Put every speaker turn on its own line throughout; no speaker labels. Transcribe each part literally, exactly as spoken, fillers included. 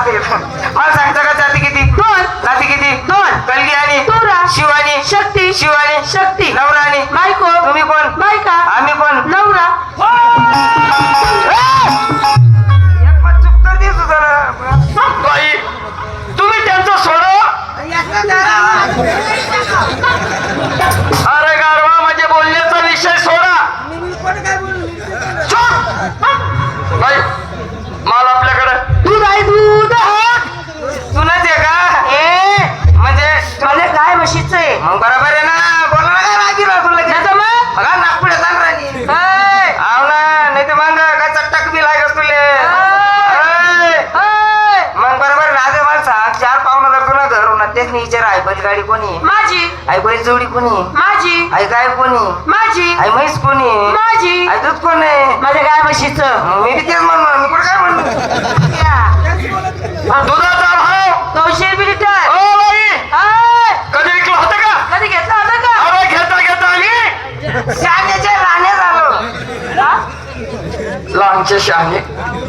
जाते मला सांगता का जाती किती
दोन
जाती किती
दोन
कलगी आणि
तुरा
शिवानी
शक्ती
शिवानी
शक्ती
नवरा आणि
बायको
तुम्ही कोण
बायका
आम्ही कोण
नवरा
एक मत चूक तर दिसू जरा
बाई तुम्ही त्यांचं सोडा. अरे गारवा म्हणजे बोलण्याचा विषय सोडा. चुप. बाई माल आपल्याकडे
दूध आहे दूध
तुलाच आहे का
ए
म्हणजे
माझे गाय म्हशीचं आहे
मग बरोबर आहे ना बोला ना काय रागी तुला
नाही तर मग
बघा नागपुढे जाण राणी
ऐ,
आव ना नाही तर मग काय चटक बी लागत तुले
ऐ,
ऐ.
ऐ.
मग बरोबर राजे मला सांग चार पाहुणा जर तुला घर होणार तेच नाही विचार आई बैलगाडी कोणी
माझी
आई बैल जोडी कोणी
माझी
आई गाय कोणी
माझी
आई म्हैस कोणी
माझी
आई दूध कोण आहे
माझ्या गाय म्हशीचं
मग मी बी तेच म्हणणार मी कुठं काय म्हणणार
दुधाचा भाव.
दोनशे रुपये लिटर
ओ बाई
ऐ,
कधी विकलं होतं का?
कधी घेतला होता का
अरे घेता घेता आम्ही
शाण्याचे राणे झालो
हा?
लहानचे शहाणे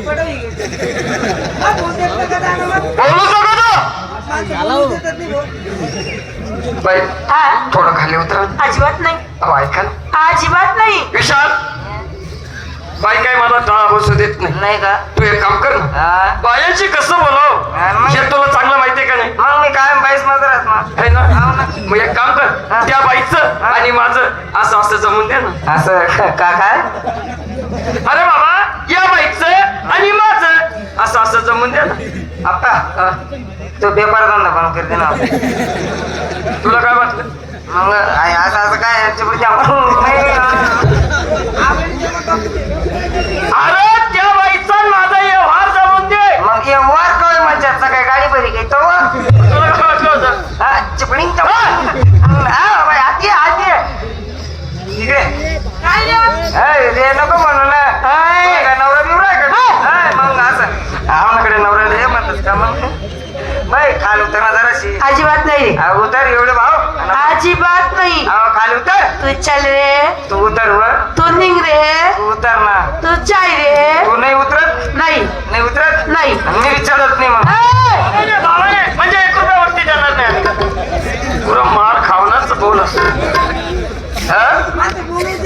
बोलू नको तू. बाई
हा?
थोडं खाली उतरा.
अजिबात नाही
अहो ऐका ना.
अजिबात नाही
विशाल बाई काय मला दहा बसू देत नाही.
नाही का
तू एक काम कर ना
हा.
बायांशी कसं बोलाव
हा, मग?
हे तुला चांगलं माहितीये का नाही
मग मी काय बाईस मजरात मग
है ना
हो ना.
मग एक काम कर
हा.
त्या बाईचं
हा.
आणि माझं असं असं जमून दे ना.
असं का काय
अरे बाबा या बाईचं आणि माझं असं असं जमून द्या ना.
आप्पा
हा.
तो पेपर धंदा पण करते ना
तुला काय वाटलं
मग आई असं असं काय याच्यापुढे जाऊन नाही
अरे त्या बाईचा आणि माझा व्यवहार जमून दे.
मग ये वार काय मजाचा काय गाडी बरी काही तो
तुला काय वाटलं होतं
हा चिपळींग हा बाई आती आती इकडे
काय रे?
ऐ, रे नको म्हणू ना ऐ, काय नवरा बिवरा आहे का ऐ, मग असं आमच्याकडे नवरा रे म्हणतात का मग बाई खाली उतर ना जराशी
अजिबात नाही
अहो, उतर एवढे भाव
अजिबात नाही
अहो, खाली उतर
तू चल रे
तू उतर वर
तू निघ रे
तू उतर ना
तू चाय रे
तू नाही उतरत
नाही
नाही उतरत
नाही
मी विचारत नाही मग
ऐ,
म्हणजे भावाने म्हणजे एक रुपयावरती देणार नाही आम्ही. पुरा मार खावणाच बोल असतो.
हा?